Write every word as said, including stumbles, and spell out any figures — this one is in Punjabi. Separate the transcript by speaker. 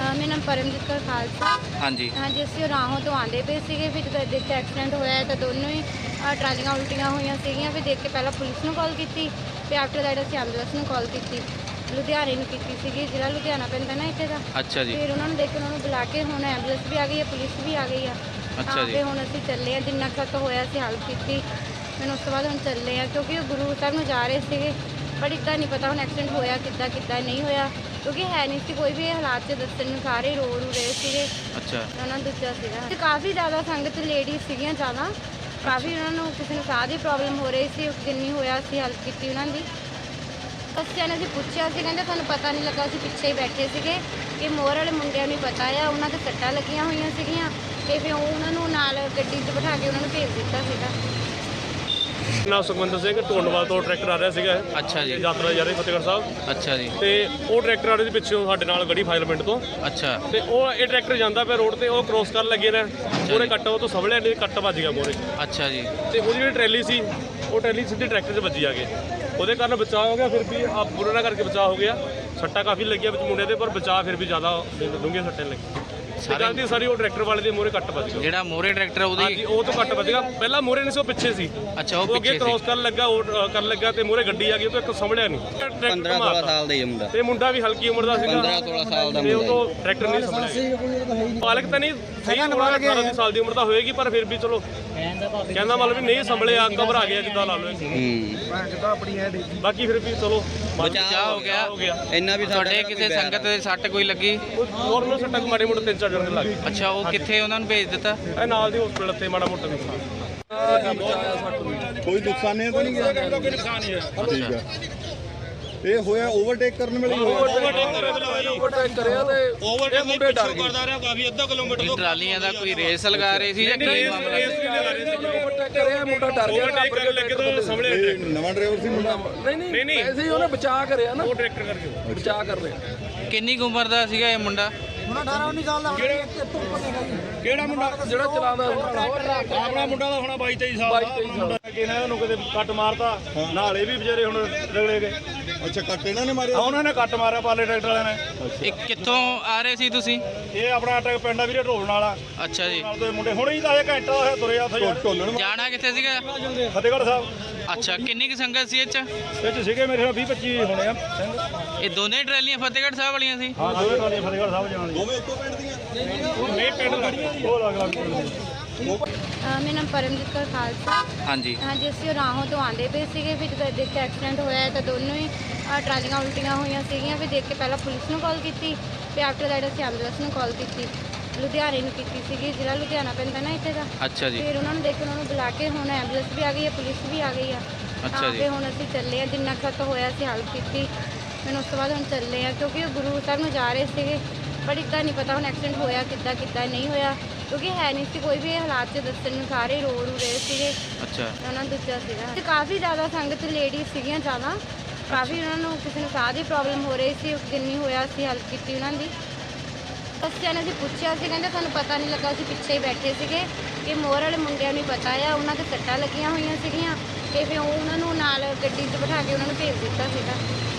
Speaker 1: ਮੇਰਾ ਨਾਮ ਪਰਮਜੀਤ ਕੌਰ ਖਾਲਸਾ।
Speaker 2: ਹਾਂਜੀ
Speaker 1: ਹਾਂਜੀ, ਅਸੀਂ ਰਾਹੋਂ ਤੋਂ ਆਉਂਦੇ ਪਏ ਸੀਗੇ, ਫਿਰ ਜਦੋਂ ਦੇਖ ਕੇ ਐਕਸੀਡੈਂਟ ਹੋਇਆ ਤਾਂ ਦੋਨੋਂ ਹੀ ਅ, ਟਰਾਲੀਆਂ ਉਲਟੀਆਂ ਹੋਈਆਂ ਸੀਗੀਆਂ। ਫਿਰ ਦੇਖ ਕੇ ਪਹਿਲਾਂ ਪੁਲਿਸ ਨੂੰ ਕਾਲ ਕੀਤੀ, ਫਿਰ ਆਫਟਰ ਦੈਟ ਅਸੀਂ ਐਂਬੂਲੈਂਸ ਨੂੰ ਕਾਲ ਕੀਤੀ, ਲੁਧਿਆਣੇ ਨੂੰ ਕੀਤੀ ਸੀਗੀ, ਜਿਹੜਾ ਲੁਧਿਆਣਾ ਪੈਂਦਾ ਨਾ ਇੱਥੇ ਦਾ।
Speaker 2: ਅੱਛਾ ਜੀ।
Speaker 1: ਫਿਰ ਉਹਨਾਂ ਨੂੰ ਦੇਖ ਕੇ ਉਹਨਾਂ ਨੂੰ ਬੁਲਾ ਕੇ ਹੁਣ ਐਂਬੂਲੈਂਸ ਵੀ ਆ ਗਈ ਹੈ, ਪੁਲਿਸ ਵੀ ਆ ਗਈ ਆ।
Speaker 2: ਅੱਛਾ
Speaker 1: ਤਾਂ
Speaker 2: ਜੀ।
Speaker 1: ਫਿਰ ਹੁਣ ਅਸੀਂ ਚੱਲੇ ਆ, ਜਿੰਨਾ ਕੁ ਹੋਇਆ ਅਸੀਂ ਹੈਲਪ ਕੀਤੀ। ਫਿਰ ਉਸ ਤੋਂ ਬਾਅਦ ਹੁਣ ਚੱਲੇ ਆ, ਕਿਉਂਕਿ ਉਹ ਗੁਰੂ ਸਾਹਿਬ ਨੂੰ ਜਾ ਰਹੇ ਸੀਗੇ, ਪਰ ਇੱਦਾਂ ਨਹੀਂ ਪਤਾ ਹੁਣ ਐਕਸੀਡੈਂਟ ਹੋਇਆ ਕਿੱਦਾਂ ਕਿੱਦਾਂ ਨਹੀਂ ਹੋਇਆ, ਕਿਉਂਕਿ ਹੈ ਨਹੀਂ ਸੀ ਕੋਈ ਵੀ ਇਹ ਹਾਲਾਤ 'ਚ ਦੱਸਣ ਨੂੰ, ਸਾਰੇ ਰੋ ਰੂ ਰਹੇ ਸੀਗੇ।
Speaker 2: ਅੱਛਾ।
Speaker 1: ਉਹਨਾਂ ਨੂੰ ਦੂਜਾ ਸੀਗਾ ਤੇ ਕਾਫੀ ਜ਼ਿਆਦਾ ਸੰਗਤ ਲੇਡੀਜ਼ ਸੀਗੀਆਂ ਜ਼ਿਆਦਾ, ਕਾਫੀ ਉਹਨਾਂ ਨੂੰ ਕਿਸੇ ਨੂੰ ਸਾਹ ਦੀ ਪ੍ਰੋਬਲਮ ਹੋ ਰਹੀ ਸੀ, ਜਿੰਨੀ ਹੋਇਆ ਅਸੀਂ ਹੈਲਪ ਕੀਤੀ ਉਹਨਾਂ ਦੀ। ਬੱਚਿਆਂ ਨੇ ਅਸੀਂ ਪੁੱਛਿਆ ਸੀ, ਕਹਿੰਦੇ ਸਾਨੂੰ ਪਤਾ ਨਹੀਂ ਲੱਗਾ, ਅਸੀਂ ਪਿੱਛੇ ਹੀ ਬੈਠੇ ਸੀਗੇ ਕਿ ਮੋਰ ਵਾਲੇ ਮੁੰਡਿਆਂ ਨੂੰ ਪਤਾ ਆ, ਉਹਨਾਂ ਦੇ ਸੱਟਾਂ ਲੱਗੀਆਂ ਹੋਈਆਂ ਸੀਗੀਆਂ ਤੇ ਫਿਰ ਉਹ ਉਹਨਾਂ ਨੂੰ ਨਾਲ ਗੱਡੀ 'ਚ ਬਿਠਾ ਕੇ ਉਹਨਾਂ ਨੂੰ ਭੇਜ ਦਿੱਤਾ ਸੀਗਾ।
Speaker 3: ਨਾਮ ਸੁਖਵਿੰਦਰ ਸਿੰਘ ਢੋਂਡਵਾਲ ਤੋਂ ਟਰੈਕਟਰ ਆ ਰਿਹਾ ਸੀਗਾ।
Speaker 2: ਅੱਛਾ ਜੀ।
Speaker 3: ਯਾਤਰਾ ਜਾ ਰਹੀ ਫਤਿਹਗੜ੍ਹ ਸਾਹਿਬ।
Speaker 2: ਅੱਛਾ ਜੀ।
Speaker 3: ਤੇ ਉਹ ਟਰੈਕਟਰ ਆ ਰਿਹਾ ਸੀ ਪਿੱਛੋਂ ਸਾਡੇ ਨਾਲ ਗੜੀ ਫਾਜ਼ਿਲ ਪਿੰਡ ਤੋਂ।
Speaker 2: ਅੱਛਾ।
Speaker 3: ਤੇ ਉਹ ਇਹ ਟਰੈਕਟਰ ਜਾਂਦਾ ਪਿਆ ਰੋਡ ਤੇ, ਉਹ ਕ੍ਰੋਸ ਕਰਨ ਲੱਗੇ ਨੇ, ਉਹਨੇ ਕੱਟ ਉਹ ਤੋਂ ਸਵਲਿਆ ਨਹੀਂ, ਕੱਟ ਵੱਜ ਗਿਆ ਮੋਰੇ।
Speaker 2: ਅੱਛਾ ਜੀ।
Speaker 3: ਤੇ ਉਹਦੀ ਜਿਹੜੀ ਟਰੈਲੀ ਸੀ, ਉਹ ਟਰੈਲੀ ਸਿੱਧੀ ਟਰੈਕਟਰ 'ਚ ਵੱਜੀ ਆ ਕੇ, ਉਹਦੇ ਕਾਰਨ ਬਚਾਅ ਹੋ ਗਿਆ। ਫਿਰ ਵੀ ਆ ਬੁਰਾ ਨਾ ਕਰਕੇ ਬਚਾਅ ਹੋ ਗਿਆ। ਸੱਟਾਂ ਕਾਫੀ ਲੱਗੀਆਂ ਵਿੱਚ ਮੁੰਡੇ ਦੇ, ਪਰ ਬਚਾਅ ਫਿਰ ਵੀ ਜ਼ਿਆਦਾ ਡੂੰਘੀਆਂ ਸੱਟਾਂ ਲੱਗੀਆਂ। ਸਾਰੀ ਦੀ ਸਾਰੀ ਉਹ ਟਰੈਕਟਰ ਵਾਲੇ ਦੇ ਮੋਰੇ ਕੱਟ ਵੱਜ ਗਿਆ।
Speaker 2: ਜਿਹੜਾ ਮੋਰੇ ਟਰੈਕਟਰ ਉਹਦੀ
Speaker 3: ਹਾਂਜੀ, ਉਹ ਤੋਂ ਕੱਟ ਵੱਜ ਗਿਆ। ਪਹਿਲਾਂ ਮੋਰੇ ਨਹੀਂ ਸੀ, ਉਹ ਪਿੱਛੇ ਸੀ।
Speaker 2: ਅੱਛਾ, ਉਹ
Speaker 3: ਉਹ ਅੱਗੇ
Speaker 2: ਪਿੱਛੇ
Speaker 3: ਕ੍ਰੋਸ
Speaker 2: ਸੀ।
Speaker 3: ਕਰਨ ਲੱਗਾ, ਉਹ ਅ, ਕਰਨ ਲੱਗਾ ਤੇ ਮੋਰੇ ਗੱਡੀ ਆ ਗਈ, ਉਹ ਤੋਂ ਇੱਕ ਸੰਭਲਿਆ ਨਹੀਂ।
Speaker 4: ਪੰਦਰਾਂ ਸੋਲਾਂ ਸਾਲ ਦਾ ਹੀ ਮੁੰਡਾ,
Speaker 3: ਤੇ ਮੁੰਡਾ ਵੀ ਹਲਕੀ ਉਮਰ ਦਾ ਸੀਗਾ,
Speaker 4: ਪੰਦਰਾਂ ਸੋਲਾਂ ਸਾਲ ਦਾ
Speaker 3: ਤੇ ਉਹ
Speaker 4: ਮੁੰਡਾ
Speaker 3: ਤੋਂ ਟਰੈਕਟਰ ਨਹੀਂ ਸੰਭਲਿਆ। ਪਾਲਕ ਤਾਂ ਨਹੀਂ ਸਹੀ ਉਮਰ ਅਠਾਰਾਂ ਸਾਲ ਦੀ ਉਮਰ ਤਾਂ ਹੋਏਗੀ, ਪਰ ਫਿਰ ਵੀ ਚਲੋ ਕਹਿੰਦਾ ਮਤਲਬ ਵੀ ਨਹੀਂ ਸੰਭਲਿਆ, ਘਬਰਾ ਗਿਆ ਜਿੱਦਾਂ ਲਾ ਲਓ।
Speaker 4: ਹੂੰ
Speaker 3: ਬਾਕੀ ਫਿਰ ਵੀ ਚਲੋ
Speaker 2: ਬਚਾਅ ਹੋ ਗਿਆ।
Speaker 3: ਹੋ ਗਿਆ।
Speaker 4: ਇੰਨਾ ਵੀ
Speaker 2: ਤੁਹਾਡੇ ਕਿਸੇ ਸੰਗਤ ਦੇ ਸੱਟ ਕੋਈ ਲੱਗੀ?
Speaker 3: ਹੋਰ ਨੂੰ ਸੱਟਾਂ ਮਾੜੇ ਮੋਟੇ ਤਿੰਨ ਚਾਰ ਜਣ ਲੱਗ ਗਏ।
Speaker 2: ਅੱਛਾ, ਉਹ ਕਿੱਥੇ ਉਹਨਾਂ ਨੂੰ ਭੇਜ ਦਿੱਤਾ?
Speaker 3: ਇਹ ਨਾਲ ਦੀ ਹਸਪੀਟਲ ਤੇ ਮਾੜਾ ਮੋਟਾ ਨੁਕਸਾਨ।
Speaker 5: ਕੋਈ ਨੁਕਸਾਨ ਨਹੀਂ ਤਾਂ ਨਹੀਂ ਗਿਆ?
Speaker 3: ਕੋਈ ਨੁਕਸਾਨ ਨਹੀਂ ਹੈ।
Speaker 5: ਠੀਕ ਹੈ। ਇਹ ਹੋਇਆ ਓਵਰਟੇਕ ਕਰਨ ਵੇਲੇ ਹੀ ਹੋਇਆ।
Speaker 3: ਓਵਰਟੇਕ ਕਰਿਆ ਤੇ ਓਵਰਟੇਕ ਮੁੰਡੇ ਡਰ ਗਏ। ਕਰਦਾ ਰਿਹਾ ਕਾਫੀ ਅੱਧਾ ਕਿਲੋਮੀਟਰ
Speaker 2: ਇਹ ਟਰਾਲੀਆਂ ਦਾ ਕੋਈ ਰੇਸ ਲਗਾ ਰਹੇ ਸੀ ਜਾਂ ਕੀ ਮਾਮਲਾ?
Speaker 3: ਓਵਰਟੇਕ ਕਰਿਆ, ਮੁੰਡਾ ਡਰ ਗਿਆ। ਓਵਰਟੇਕ ਕਰਨ ਲੱਗੇ ਤਾਂ ਸੰਭਲਿਆ
Speaker 5: ਇਹ ਨਵਾਂ ਡਰਾਈਵਰ ਸੀ ਮੁੰਡਾ?
Speaker 3: ਨਹੀਂ ਨਹੀਂ ਨਹੀਂ, ਐਸੇ ਹੀ ਉਹਨੇ ਬਚਾਅ ਕਰਿਆ ਨਾ, ਉਹ ਟਰੈਕਟਰ ਕਰਕੇ ਬਚਾਅ ਕਰ ਰਿਹਾ।
Speaker 2: ਕਿੰਨੀ ਕੁ ਉਮਰ ਦਾ ਸੀਗਾ ਇਹ ਮੁੰਡਾ?
Speaker 6: ਅਠਾਰਾਂ ਉੱਨੀ ਸਾਲ ਦਾ ਹੋਣਾ, ਇੱਥੋਂ ਉੱਪਰ ਨਹੀਂ ਹੈਗਾ।
Speaker 3: ਕਿਹੜਾ ਮੁੰਡਾ? ਜਿਹੜਾ ਚਲਾਉਂਦਾ ਆਪਣਾ ਮੁੰਡਾ ਦਾ ਹੋਣਾ ਬਾਈ ਤੇਈ ਸਾਲ ਦਾ। ਕਿਹਨਾਂ ਨੂੰ ਕਿਤੇ ਕੱਟ ਮਾਰਤਾ, ਨਾਲੇ ਵੀ ਵਿਚਾਰੇ ਹੁਣ ਰਗੜੇ ਗਏ।
Speaker 5: ਅੱਛਾ, ਕੱਟ ਇਹਨਾਂ ਨੇ ਮਾਰਿਆ?
Speaker 3: ਉਹਨਾਂ ਨੇ ਕੱਟ ਮਾਰਿਆ ਪਾਲੇ ਟਰੈਕਟਰ ਵਾਲਿਆਂ ਨੇ।
Speaker 2: ਇਹ ਕਿੱਥੋਂ ਆ ਰਹੇ ਸੀ ਤੁਸੀਂ?
Speaker 3: ਇਹ ਆਪਣਾ ਟਰੈਕ ਪਿੰਡ ਆ ਵੀਰੇ, ਢੋਲਣ ਵਾਲਾ
Speaker 2: ਅੱਛਾ ਜੀ।
Speaker 3: ਨਾਲ ਦੇ ਮੁੰਡੇ ਹੁਣੇ ਹੀ ਤਾਂ ਇਹ ਘੰਟਾ ਹੋਇਆ ਤੁਰਿਆ ਉੱਥੇ ਯਾਰ।
Speaker 5: ਢੋਲਣ
Speaker 2: ਜਾਣਾ ਕਿੱਥੇ ਸੀਗਾ?
Speaker 3: ਫਤਿਹਗੜ੍ਹ ਸਾਹਿਬ
Speaker 2: ਅੱਛਾ, ਕਿੰਨੀ ਕੁ ਸੰਗਤ ਸੀ ਇਹ 'ਚ?
Speaker 3: ਵਿੱਚ ਸੀਗੇ ਮੇਰੇ ਨਾਲ ਵੀਹ ਪੱਚੀ ਹੋਣੇ ਆ ਸਿੰਘ।
Speaker 2: ਇਹ ਦੋਨੇ ਟਰਾਲੀਆਂ ਫਤਿਹਗੜ੍ਹ ਸਾਹਿਬ ਵਾਲੀਆਂ ਸੀ?
Speaker 3: ਹਾਂ, ਦੋਵੇਂ ਟਰਾਲੀਆਂ ਫਤਿਹਗੜ੍ਹ ਸਾਹਿਬ ਜਾਣ
Speaker 5: ਦੋਵੇਂ ਇੱਕੋ ਪਿੰਡ ਦੀਆਂ?
Speaker 3: ਨਹੀਂ, ਪਿੰਡ ਲੱਗੀਆਂ ਉਹ ਅਲੱਗ ਅਲੱਗ ਪਿੰਡ ਦੀਆਂ।
Speaker 1: ਅ, ਮੇਰਾ ਨਾਮ ਪਰਮਜੀਤ ਕੌਰ ਖਾਲਸਾ।
Speaker 2: ਹਾਂਜੀ।
Speaker 1: ਹਾਂਜੀ, ਅਸੀਂ ਰਾਹੋਂ ਤੋਂ ਆਉਂਦੇ ਪਏ ਸੀਗੇ, ਫਿਰ ਜਦੋਂ ਦੇਖ ਕੇ ਐਕਸੀਡੈਂਟ ਹੋਇਆ ਤਾਂ ਦੋਨੋਂ ਹੀ ਅ, ਟਰਾਲੀਆਂ ਉਲਟੀਆਂ ਹੋਈਆਂ ਸੀਗੀਆਂ। ਫਿਰ ਦੇਖ ਕੇ ਪਹਿਲਾਂ ਪੁਲਿਸ ਨੂੰ ਕਾਲ ਕੀਤੀ, ਫਿਰ ਆਫਟਰ ਦੈਟ ਅਸੀਂ ਐਂਬੂਲੈਂਸ ਨੂੰ ਕਾਲ ਕੀਤੀ, ਲੁਧਿਆਣੇ ਨੂੰ ਕੀਤੀ ਸੀਗੀ, ਜਿਹੜਾ ਲੁਧਿਆਣਾ ਪੈਂਦਾ ਨਾ ਇੱਥੇ ਦਾ।
Speaker 2: ਅੱਛਾ ਜੀ।
Speaker 1: ਫਿਰ ਉਹਨਾਂ ਨੂੰ ਦੇਖ ਕੇ ਉਹਨਾਂ ਨੂੰ ਬੁਲਾ ਕੇ ਹੁਣ ਐਂਬੂਲੈਂਸ ਵੀ ਆ ਗਈ ਹੈ, ਪੁਲਿਸ ਵੀ ਆ ਗਈ ਆ।
Speaker 2: ਅੱਛਾ
Speaker 1: ਤਾਂ
Speaker 2: ਜੀ।
Speaker 1: ਫਿਰ ਹੁਣ ਅਸੀਂ ਚੱਲੇ ਆ, ਜਿੰਨਾ ਕੁ ਹੋਇਆ ਅਸੀਂ ਹੈਲਪ ਕੀਤੀ। ਫਿਰ ਉਸ ਤੋਂ ਬਾਅਦ ਹੁਣ ਚੱਲੇ ਆ, ਕਿਉਂਕਿ ਉਹ ਗੁਰੂ ਸਾਹਿਬ ਨੂੰ ਜਾ ਰਹੇ ਸੀਗੇ, ਪਰ ਇੱਦਾਂ ਨਹੀਂ ਪਤਾ ਹੁਣ ਐਕਸੀਡੈਂਟ ਹੋਇਆ ਕਿੱਦਾਂ ਕਿੱਦਾਂ ਨਹੀਂ ਹੋਇਆ, ਕਿਉਂਕਿ ਹੈ ਨਹੀਂ ਸੀ ਕੋਈ ਵੀ ਇਹ ਹਾਲਾਤ 'ਚ ਦੱਸਣ ਨੂੰ, ਸਾਰੇ ਰੋ ਰੂ ਰਹੇ ਸੀਗੇ।
Speaker 2: ਅੱਛਾ।
Speaker 1: ਉਹਨਾਂ ਨੂੰ ਦੂਜਾ ਸੀਗਾ ਤੇ ਕਾਫੀ ਜ਼ਿਆਦਾ ਸੰਗਤ ਲੇਡੀਜ਼ ਸੀਗੀਆਂ ਜ਼ਿਆਦਾ, ਕਾਫੀ ਉਹਨਾਂ ਨੂੰ ਕਿਸੇ ਨੂੰ ਸਾਹ ਦੀ ਪ੍ਰੋਬਲਮ ਹੋ ਰਹੀ ਸੀ, ਜਿੰਨੀ ਹੋਇਆ ਅਸੀਂ ਹੈਲਪ ਕੀਤੀ ਉਹਨਾਂ ਦੀ। ਬੱਚਿਆਂ ਨੇ ਅਸੀਂ ਪੁੱਛਿਆ ਸੀ, ਕਹਿੰਦੇ ਸਾਨੂੰ ਪਤਾ ਨਹੀਂ ਲੱਗਾ, ਅਸੀਂ ਪਿੱਛੇ ਹੀ ਬੈਠੇ ਸੀਗੇ ਕਿ ਮੋਰ ਵਾਲੇ ਮੁੰਡਿਆਂ ਨੂੰ ਪਤਾ ਆ, ਉਹਨਾਂ ਦੇ ਸੱਟਾਂ ਲੱਗੀਆਂ ਹੋਈਆਂ ਸੀਗੀਆਂ ਤੇ ਫਿਰ ਉਹ ਉਹਨਾਂ ਨੂੰ ਨਾਲ ਗੱਡੀ 'ਚ ਬਿਠਾ ਕੇ ਉਹਨਾਂ ਨੂੰ ਭੇਜ ਦਿੱਤਾ ਸੀਗਾ।